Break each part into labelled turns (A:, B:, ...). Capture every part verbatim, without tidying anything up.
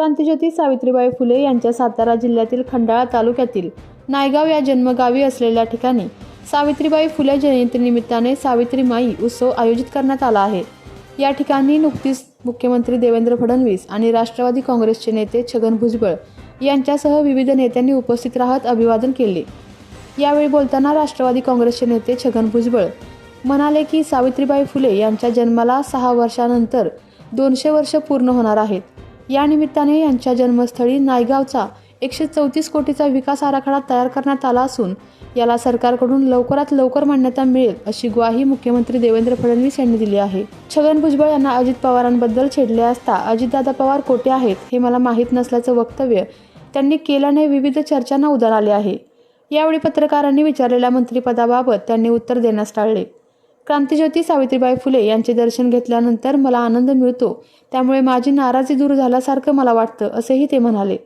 A: क्रांतिज्योती सावित्रीबाई फुले यांच्या सातारा जिल्ह्यातील खंडाळा तालुक्यातील नायगाव या जन्मगावी असलेल्या ठिकाणी सावित्रीबाई फुले जयंतीनिमित्ताने सावित्री माई उत्सव आयोजित करण्यात आला आहे। या ठिकाणी नुकतीच मुख्यमंत्री देवेंद्र फडणवीस आणि राष्ट्रवादी काँग्रेसचे नेते छगन भुजबळ यांच्यासह विविध नेत्यांनी उपस्थित राहत अभिवादन केले। यावेळी बोलताना राष्ट्रवादी काँग्रेसचे नेते छगन भुजबळ म्हणाले की सावित्रीबाई फुले यांच्या जन्माला सहा वर्षानंतर दोनशे वर्ष पूर्ण होणार आहेत। या निमित्ताने यांच्या जन्मस्थळी नायगावचा एकशे चौतीस कोटीचा विकास आराखडा तयार करण्यात आला असून याला सरकारकडून लवकरात लवकर मान्यता मिळेल अशी ग्वाही मुख्यमंत्री देवेंद्र फडणवीस यांनी दिली आहे। छगन भुजबळ यांना अजित पवारांबद्दल छेडले असता अजितदादा पवार कोठे आहेत हे मला माहीत नसल्याचं वक्तव्य त्यांनी केल्याने विविध चर्चांना उधाण आले आहे। यावेळी पत्रकारांनी विचारलेल्या मंत्रिपदाबाबत त्यांनी उत्तर देण्यास टाळले। क्रांतिज्योती सावित्रीबाई फुले यांचे दर्शन घेतल्यानंतर मला आनंद मिळतो, त्यामुळे माझी नाराजी दूर झाल्यासारखं मला वाटतं असेही ते म्हणाले।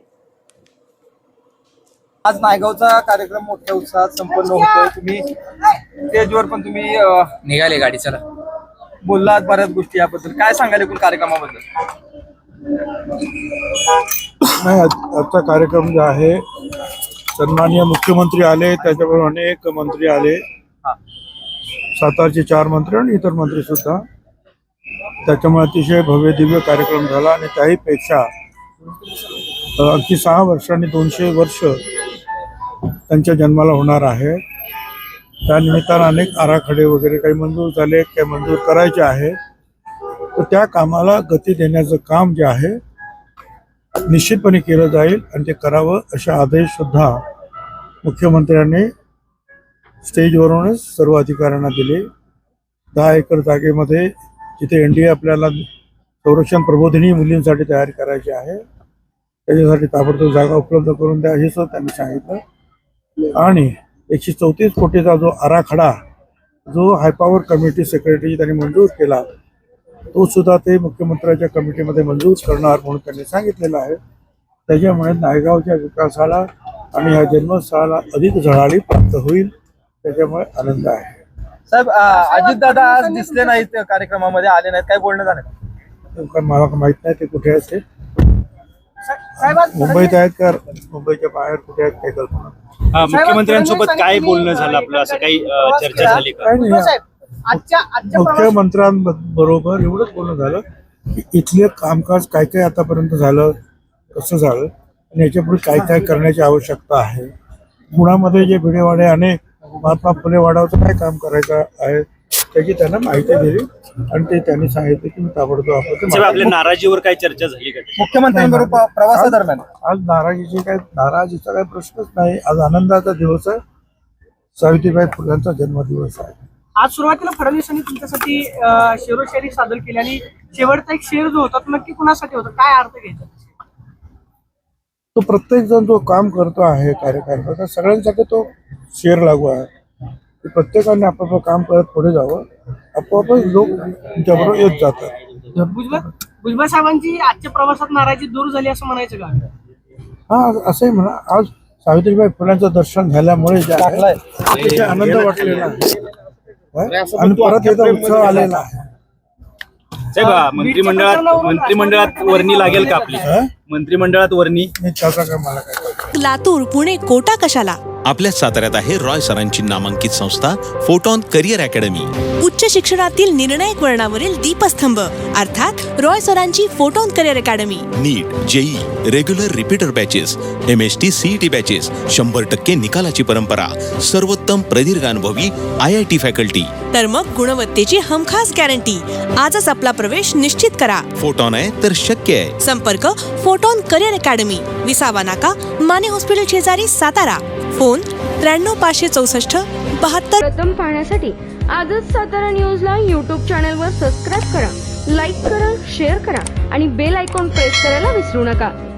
B: आज नायगावचा कार्यक्रम मोठ्या उत्साहात संपन्न होतोय। तुम्ही स्टेजवर पण तुम्ही
C: निघाले गाडी चला
B: बोललात बऱ्याच गोष्टी, याबद्दल काय सांगाल एकूण कार्यक्रमाबद्दल?
D: नाही, आजचा कार्यक्रम जो आहे सन्माननीय मुख्यमंत्री आले, त्याच्याबरोबर अनेक मंत्री आले, सातारचे चार मंत्री आणि इतर मंत्री सुद्धा, त्याच्यामुळे अतिशय भव्य दिव्य कार्यक्रम झाला आणि त्याही पेक्षा अगदी सहा वर्षांनी दोनशे वर्ष त्यांच्या जन्माला होणार आहे। त्या निमित्तानं अनेक आराखडे वगैरे काही मंजूर झाले, काही मंजूर करायचे आहे, तर त्या कामाला गती देण्याचं काम जे आहे निश्चितपणे केलं जाईल आणि ते करावं असे आदेश सुद्धा मुख्यमंत्र्यांनी स्टेजवरूनच सर्व अधिकाऱ्यांना दिले। दहा एकर जागेमध्ये जिथे एन डी ए आपल्याला संरक्षण प्रबोधिनी मुलींसाठी तयारी करायची आहे, त्याच्यासाठी ताबडतोब जागा उपलब्ध करून द्या हे सुद्धा त्यांनी सांगितलं। आणि एकशे चौतीस कोटीचा जो आराखडा जो हायपॉवर कमिटी सेक्रेटरी त्यांनी मंजूर केला, तो सुद्धा ते मुख्यमंत्र्यांच्या कमिटीमध्ये मंजूर करणार म्हणून त्यांनी सांगितलेलं आहे। त्याच्यामुळे नायगावच्या विकासाला आणि ह्या जन्मस्थळाला अधिक झळाळी प्राप्त होईल, त्याच्यामुळे आनंद आहे।
B: साहेब, अजितदादा आज दिसले नाहीत कार्यक्रमामध्ये, आले नाहीत, काय बोलणं झालं?
D: मला माहित नाही ते कुठे आहेत, ते मुंबईत आहेत का मुंबईच्या बाहेर कुठे आहेत काही कल्पना।
E: मुख्यमंत्र्यांसोबत काय बोलणं झालं आपलं, असं काही चर्चा झाली का?
D: मुख्यमंत्र्यांबरोबर एवढंच बोलणं झालं की इथले कामकाज काय काय आतापर्यंत झालं, कसं झालं आणि याच्यापुढे काय काय करण्याची आवश्यकता आहे। पुण्यामध्ये जे भिडेवाडे अनेक महात्मा फुले वाड्याचं काय काम करायचं आहे त्याची त्यांना माहिती दिली आणि ते त्यांनी सांगितलं की मी ताबडतोब आपण
E: आपल्या नाराजीवर काय चर्चा झाली का
B: मुख्यमंत्र्यांबरोबर प्रवासादरम्यान?
D: आज नाराजीची काय नाराजीचा काही प्रश्नच नाही। आज आनंदाचा दिवस आहे, सावित्रीबाई फुल्यांचा जन्मदिवस आहे।
F: आज सुरुवातीला फडणवीसांनी तुमच्यासाठी शेरोशायरी सादर केली आणि शेवटचा एक शेर जो होता तो नक्की कुणासाठी होता, काय अर्थ घ्यायचा?
D: तो प्रत्येक जण जो काम करतो आहे कार्यकर्ता, त्या सगळ्यांसाठी तो शेर लागू आहे की प्रत्येकाने आपापलं काम करत पुढे जावं, आपोआपच लोक तुमच्याबरोबर येत जातात।
F: भुजबळ भुजबळ साहेबांची आजच्या प्रवासात नाराजी दूर झाली असं म्हणायचं का?
D: हा, असंही म्हणा, आज सावित्रीबाई फुल्यांचं दर्शन झाल्यामुळे जे आहे अतिशय आनंद वाटलेला आहे आणि परत एकदा उत्सव आलेला आहे।
E: साहेब, मंत्रिमंडळात मंत्रिमंडळात वर्णी लागेल का आपली? मंत्रिमंडळात वर्णी
D: त्याचा काय मला काय?
G: लातूर, पुणे, कोटा कशाला?
H: आपल्या साताऱ्यात आहे रॉय सरांची नामांकित संस्था फोटॉन करिअर अकॅडमी।
G: उच्च शिक्षणातील निर्णायक वळणावरील दीपस्तंभ अर्थात रॉय सरांची photon career academy.
H: NEET, JEE, regular repeater batches, M S T, CET batches, शंभर टक्के निकालाची परंपरा, सर्वोत्तम प्रदीर्घ अनुभवी आय आय टी फॅकल्टी,
G: तर मग गुणवत्तेची हमखास गॅरंटी। आजच आपला प्रवेश निश्चित करा।
H: फोटॉन आहे तर शक्य आहे।
G: संपर्क फोटॉन करिअर अकॅडमी, विसावा नाका, माने हॉस्पिटल शेजारी, सातारा। फोन त्र्याण्णव पाचशे चौसष्ट बहात्तर।
I: प्रथम पाहण्यासाठी आजच सातारा न्यूजला यूट्यूब चॅनलवर सबस्क्राईब करा, लाईक करा, शेअर करा आणि बेल आयकॉन प्रेस करायला विसरू नका।